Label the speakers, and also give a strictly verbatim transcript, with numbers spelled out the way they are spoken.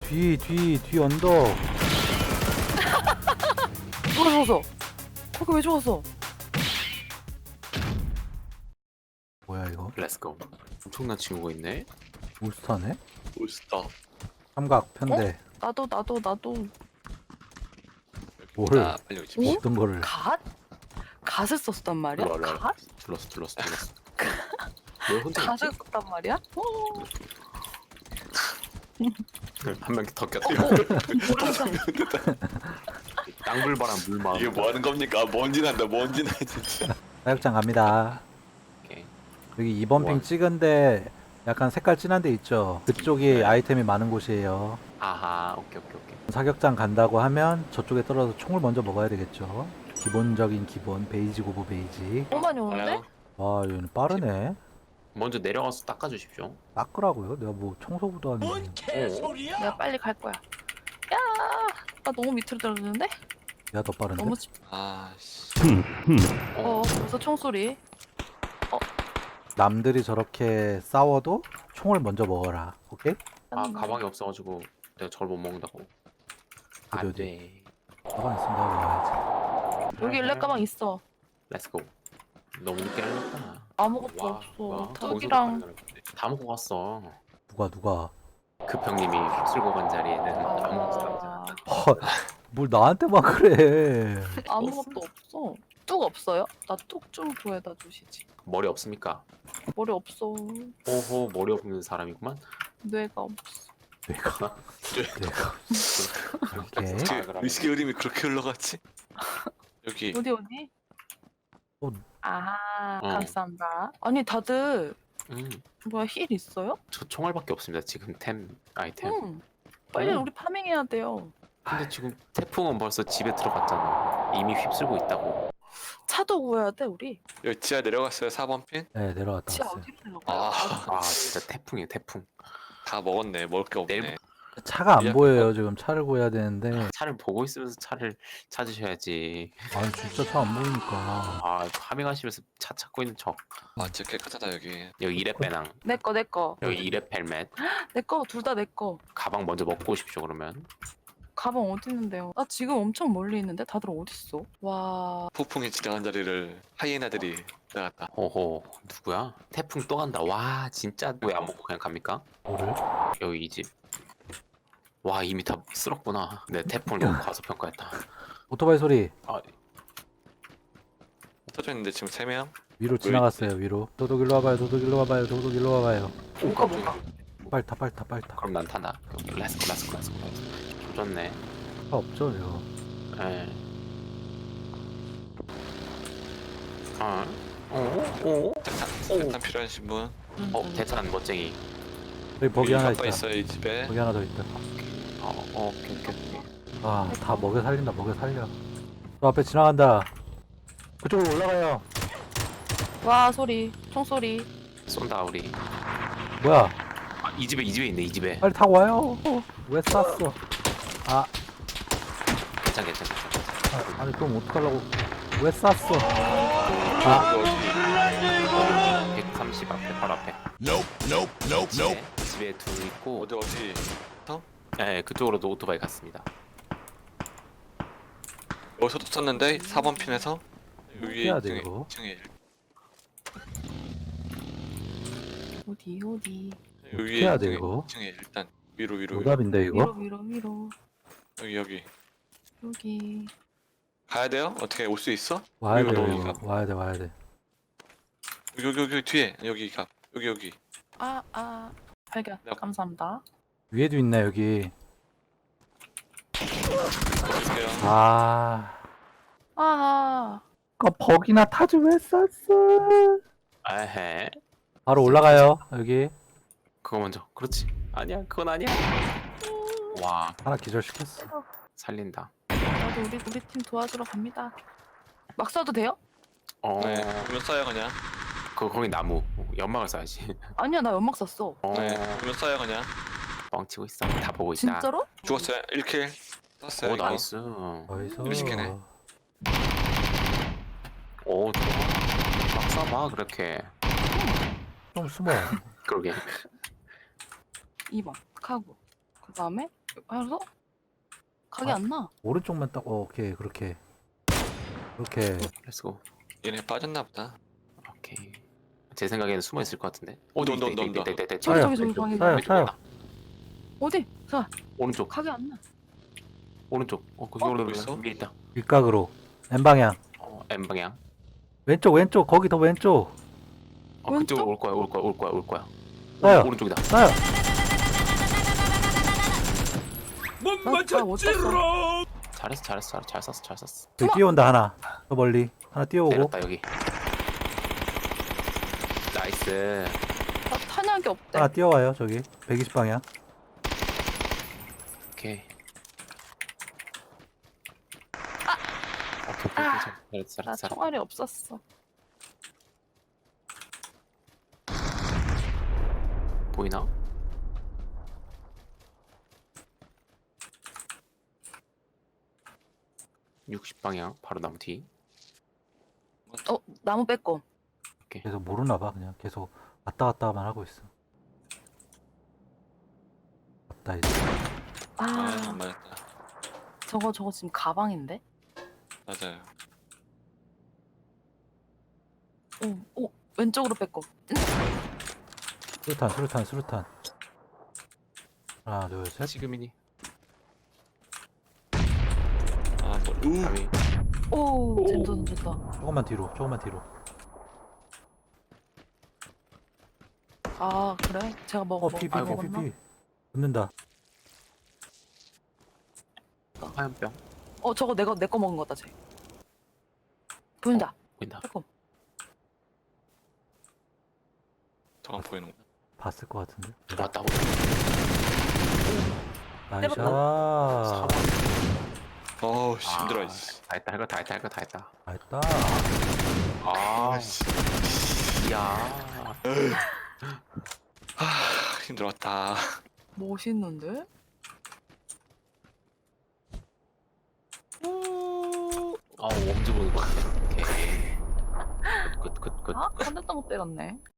Speaker 1: 뒤, 뒤, 뒤 언덕.
Speaker 2: 누가 죽었어? 거기 왜 죽었어?
Speaker 1: 뭐야 이거?
Speaker 3: 렛츠고. 엄청난 친구가 있네.
Speaker 1: 울스타네?
Speaker 4: 울스타.
Speaker 1: 삼각 편대.
Speaker 2: 나도 나도 나도
Speaker 1: 뭘?
Speaker 4: 아, 빨리 오십시오.
Speaker 1: 어떤 거를?
Speaker 2: 갓? 갓을 썼단 말이야?
Speaker 3: 일로 와, 일로 와.
Speaker 2: 갓?
Speaker 3: 둘렀어, 둘렀어, 둘렀어. 왜 혼자 있지?
Speaker 2: 갓을 썼단 말이야? 어.
Speaker 3: 한 명 더 꼈다.
Speaker 2: 모르겠어.
Speaker 3: 땅불바람 물마.
Speaker 4: 이게 뭐 하는 겁니까? 먼지 난다, 먼지 나 진짜.
Speaker 1: 사육장 갑니다.
Speaker 3: 오케이.
Speaker 1: 여기 이 번 핑
Speaker 3: 우와.
Speaker 1: 찍은데 약간 색깔 진한 데 있죠? 그쪽이
Speaker 3: 네.
Speaker 1: 아이템이 많은 곳이에요.
Speaker 3: 아하, 오케이, 오케이, 오케이.
Speaker 1: 사격장 간다고 하면 저쪽에 떨어져 총을 먼저 먹어야 되겠죠? 기본적인 기본 베이지 고브 베이지.
Speaker 2: 너무 많이 오는데?
Speaker 4: 아유,
Speaker 1: 와 얘는 빠르네.
Speaker 3: 먼저 내려가서 닦아주십시오.
Speaker 1: 닦으라고요? 내가 뭐 청소부도 하는데.
Speaker 2: 내가 빨리 갈 거야. 야, 나 너무 밑으로 떨어지는데?
Speaker 1: 내가 더 빠른데?
Speaker 2: 너무 집.
Speaker 4: 아, 씨.
Speaker 2: 어, 벌써 총소리.
Speaker 1: 남들이 저렇게 싸워도 총을 먼저 먹어라. 오케이?
Speaker 3: 아, 가방이 없어가지고 내가 저걸 못 먹는다고.
Speaker 1: 어디,
Speaker 3: 안
Speaker 1: 어디?
Speaker 3: 돼.
Speaker 1: 가방 있으면 내가 먹어야지.
Speaker 2: 여기 일렉 가방 있어.
Speaker 3: 렛츠고. 너무 늦게 알렸다.
Speaker 2: 아무것도
Speaker 3: 와,
Speaker 2: 없어.
Speaker 3: 와,
Speaker 2: 닭이랑
Speaker 3: 다 먹고 갔어.
Speaker 1: 누가 누가?
Speaker 3: 그 병님이 휩쓸고 간 자리에는 아무것도
Speaker 2: 아,
Speaker 3: 없잖아.
Speaker 1: 헐, 뭘 나한테만 그래.
Speaker 2: 아무것도 없어. 뚝 없어요? 나 뚝 좀 구해다 주시지.
Speaker 3: 머리 없습니까?
Speaker 2: 머리 없어.
Speaker 3: 오호, 머리 없는 사람이구만.
Speaker 2: 뇌가 없어.
Speaker 1: 내가 내가 오케이.
Speaker 3: 아,
Speaker 4: 어떻게
Speaker 3: 그러면.
Speaker 4: 의식의 흐름이 그렇게 흘러갔지? 여기
Speaker 2: 어디 어디?
Speaker 1: 어.
Speaker 2: 아,
Speaker 3: 어.
Speaker 2: 감사합니다. 아니 다들
Speaker 3: 음,
Speaker 2: 뭐야 힐 있어요?
Speaker 3: 저 총알밖에 없습니다. 지금 템 아이템.
Speaker 2: 응. 빨리
Speaker 3: 어.
Speaker 2: 우리 파밍해야 돼요.
Speaker 3: 근데 지금 태풍은 벌써 집에 들어갔잖아. 이미 휩쓸고 있다고.
Speaker 2: 차도 구해야 돼 우리.
Speaker 4: 여기 지하 내려갔어요. 사 번 핀?
Speaker 1: 네 내려갔다
Speaker 2: 지하
Speaker 1: 왔어요.
Speaker 2: 어디로 내려가?
Speaker 4: 아,
Speaker 3: 아 진짜 태풍이야 태풍.
Speaker 4: 다 먹었네. 먹을 게 없네.
Speaker 3: 내일-
Speaker 1: 차가 안
Speaker 4: 야,
Speaker 1: 보여요. 지금 차를 구해야 되는데.
Speaker 3: 차를 보고 있으면서 차를 찾으셔야지.
Speaker 1: 아니 진짜 차 안 보이니까.
Speaker 3: 아 파밍하시면서 차 찾고 있는 척.
Speaker 4: 아, 진짜 깨끗하다 여기.
Speaker 3: 여기 이레 배낭.
Speaker 2: 내 거 내 거.
Speaker 3: 여기 이레 펠멧.
Speaker 2: 내 거 둘 다 내 거.
Speaker 3: 가방 먼저 먹고 오십시오 그러면.
Speaker 2: 가방 어디 있는데요? 나 지금 엄청 멀리 있는데 다들 어디 있어? 와.
Speaker 4: 폭풍이 지나간 자리를 하이에나들이 지나갔다.
Speaker 3: 호호 누구야? 태풍 또 간다. 와 진짜 왜 안 먹고 그냥 갑니까?
Speaker 1: 뭐를?
Speaker 3: 여기 이 집. 와 이미 다 쓸었구나. 내 태풍을 너무 과소평가했다.
Speaker 1: 오토바이 소리.
Speaker 3: 아
Speaker 4: 터져 있는데 지금 세 명.
Speaker 1: 위로 지나갔어요. 위로. 도둑 일로 와봐요. 도둑 일로 와봐요. 도둑 일로 와봐요.
Speaker 2: 뭐가 뭐가?
Speaker 1: 빨리 타 빨리 타 빨리 타.
Speaker 3: 그럼 난 탄다. 여기 렛츠고 렛츠고 렛츠고 렛츠고. 좋네.
Speaker 1: 차 없죠 이거.
Speaker 3: 에. 어? 어? 어?
Speaker 4: 대탄,
Speaker 3: 오.
Speaker 4: 대탄 필요하신 분?
Speaker 2: 응,
Speaker 3: 어?
Speaker 2: 응.
Speaker 3: 대탄 멋쟁이.
Speaker 1: 여기 버기
Speaker 4: 여기
Speaker 1: 하나
Speaker 4: 아빠
Speaker 1: 있다.
Speaker 4: 있어요 이 집에.
Speaker 1: 버기 하나 더 있다.
Speaker 3: 어, 어, 오케이, 오케이, 오케이.
Speaker 1: 아 다 먹여 살린다. 먹여 살려. 저 앞에 지나간다. 그쪽으로 올라가요.
Speaker 2: 와 소리. 총소리.
Speaker 3: 쏜다, 우리.
Speaker 1: 뭐야?
Speaker 3: 아, 이 집에, 이 집에 있네, 이 집에.
Speaker 1: 빨리 타고 와요. 왜 쐈어? 아,
Speaker 3: 괜찮, 괜찮, 괜찮.
Speaker 1: 아 아니 그럼 어떡하려고? 왜 쐈어?
Speaker 4: 아, 어디?
Speaker 3: 백삼십 앞에, 바로 앞에.
Speaker 5: Nope, nope, nope, nope.
Speaker 3: 집에, 집에 둘 있고.
Speaker 4: 어디 어디?
Speaker 3: 네, 그쪽으로도 오토바이 갔습니다.
Speaker 4: 여기서도 썼는데 사 번 핀에서 위에
Speaker 1: 해야 돼,
Speaker 4: 층에
Speaker 1: 이거.
Speaker 4: 층에
Speaker 2: 어디 어디.
Speaker 4: 위에
Speaker 1: 해야 돼,
Speaker 4: 층에,
Speaker 1: 이거.
Speaker 4: 층에 일단 위로 위로 위로.
Speaker 1: 오답인데
Speaker 2: 위로
Speaker 1: 이거?
Speaker 2: 위로 위로.
Speaker 4: 여기 여기
Speaker 2: 여기.
Speaker 4: 가야 돼요? 어떻게 올 수 있어?
Speaker 1: 와야 돼
Speaker 4: 위로
Speaker 1: 이거.
Speaker 4: 넘어가.
Speaker 1: 와야 돼 와야 돼.
Speaker 4: 여기 여기 여기 뒤에 여기 가 여기 여기
Speaker 2: 아 아. 발견.
Speaker 4: 야.
Speaker 2: 감사합니다.
Speaker 1: 위에도 있네 여기.
Speaker 4: 어디세요?
Speaker 1: 아,
Speaker 2: 아.
Speaker 1: 그 버기나 타지 왜 쐈어?
Speaker 3: 에헤.
Speaker 1: 바로 올라가요 여기.
Speaker 3: 그거 먼저. 그렇지. 아니야, 그건 아니야. 와,
Speaker 1: 하나 기절시켰어.
Speaker 3: 살린다.
Speaker 2: 나도 우리 우리 팀 도와주러 갑니다. 막 쏴도 돼요?
Speaker 3: 어,
Speaker 4: 네 보면 쏴요 그냥.
Speaker 3: 그 거기 나무. 연막을 쏴야지.
Speaker 2: 아니야 나 연막 쐈어.
Speaker 3: 어,
Speaker 4: 네 보면 쏴요 그냥.
Speaker 3: 뻥치고 있어. 다 보고 있다.
Speaker 2: 진짜로?
Speaker 4: 죽었어요. 일 킬 쐈어요.
Speaker 3: 오,
Speaker 4: 이거.
Speaker 3: 나이스.
Speaker 1: 어디서?
Speaker 4: 일시키네.
Speaker 3: 오, 좋아. 막 쏴봐, 그렇게.
Speaker 1: 좀 숨어.
Speaker 3: 그러게.
Speaker 2: 이 번 카고. 그다음에 해서 각이
Speaker 1: 아.
Speaker 2: 안 나.
Speaker 1: 오른쪽만 딱 어, 오케이 그렇게 그렇게
Speaker 3: 렛츠고.
Speaker 4: 얘네 빠졌나 보다.
Speaker 3: 오케이. 제 생각에는 숨어 있을 것 같은데.
Speaker 4: 온다,
Speaker 3: 있다,
Speaker 4: 온다,
Speaker 3: 있다,
Speaker 4: 온다,
Speaker 3: 있다, 있다, 있다,
Speaker 2: 저기
Speaker 3: 있다.
Speaker 2: 저기 저기
Speaker 3: 왼쪽,
Speaker 2: 방에
Speaker 1: 사요,
Speaker 3: 왼쪽
Speaker 1: 사요.
Speaker 3: 있다.
Speaker 2: 어디? 자
Speaker 3: 오른쪽,
Speaker 2: 각이 안 나.
Speaker 3: 오른쪽. 어 거기
Speaker 2: 어?
Speaker 3: 오른쪽
Speaker 4: 있어?
Speaker 3: 위에 있다.
Speaker 1: 윗각으로 N 방향
Speaker 3: 어 M 방향.
Speaker 1: 왼쪽 왼쪽 거기 더 왼쪽
Speaker 3: 어
Speaker 2: 왼쪽?
Speaker 3: 그쪽으로 올 거야, 올 거야, 올 거야, 올 거야.
Speaker 1: 쏴요.
Speaker 3: 오른쪽이다.
Speaker 1: 쏴요.
Speaker 2: 못 맞췄지롱.
Speaker 3: 잘했어, 잘했어, 잘, 잘 쐈어, 잘 쐈어.
Speaker 1: 저기 뛰어온다 하나 저 멀리 하나 뛰어오고
Speaker 3: 내렸다 여기. 나이스.
Speaker 2: 나 탄약이 없대.
Speaker 1: 하나 뛰어와요 저기 백이십 방향
Speaker 3: 오케이. 오케이, 오케이,
Speaker 2: 아!
Speaker 3: 오케이. 잘했어,
Speaker 2: 나
Speaker 3: 잘했어, 잘했어.
Speaker 2: 총알이 없었어.
Speaker 3: 보이나? 육십 방향 바로 나무 뒤.
Speaker 2: 어 나무 뺐고.
Speaker 1: 계속 모르나 봐 그냥 계속 왔다 갔다만 하고 있어 왔다 이제
Speaker 4: 아,
Speaker 2: 아
Speaker 4: 안 맞았다.
Speaker 2: 저거 저거 지금 가방인데?
Speaker 4: 맞아요.
Speaker 2: 오, 오 왼쪽으로 뺐고.
Speaker 1: 수류탄 수류탄 수류탄 하나 둘셋
Speaker 3: 지금이니.
Speaker 4: 아, 또, 우.
Speaker 3: 감이.
Speaker 2: 오 젠더 던졌다.
Speaker 1: 조금만 뒤로 조금만 뒤로
Speaker 2: 아 그래? 제가 먹어
Speaker 1: 어
Speaker 2: 먹
Speaker 1: 피 피 피
Speaker 2: 먹었나?
Speaker 1: 피 붙는다
Speaker 3: 화염병
Speaker 2: 어 저거 내가 내 거 먹은 거다 쟤. 보인다.
Speaker 3: 보인다.
Speaker 2: 빼꼼.
Speaker 4: 저건 보이는구나.
Speaker 1: 봤을 것 같은데
Speaker 3: 들어왔다.
Speaker 1: 나이스
Speaker 3: 사번.
Speaker 4: 어우, 씨, 힘들어.
Speaker 3: 아,
Speaker 4: 이씨.
Speaker 3: 다 했다, 할 거 다 했다, 할 거 다 했다.
Speaker 1: 다 했다
Speaker 3: 아,
Speaker 4: 씨.
Speaker 3: 이야.
Speaker 4: 아, 힘들었다.
Speaker 2: 멋있는데?
Speaker 3: 아, 웜즈 보는 거 같아. 오케이. 굿, 굿, 굿, 굿.
Speaker 2: 아? 한 대도 못 때렸네.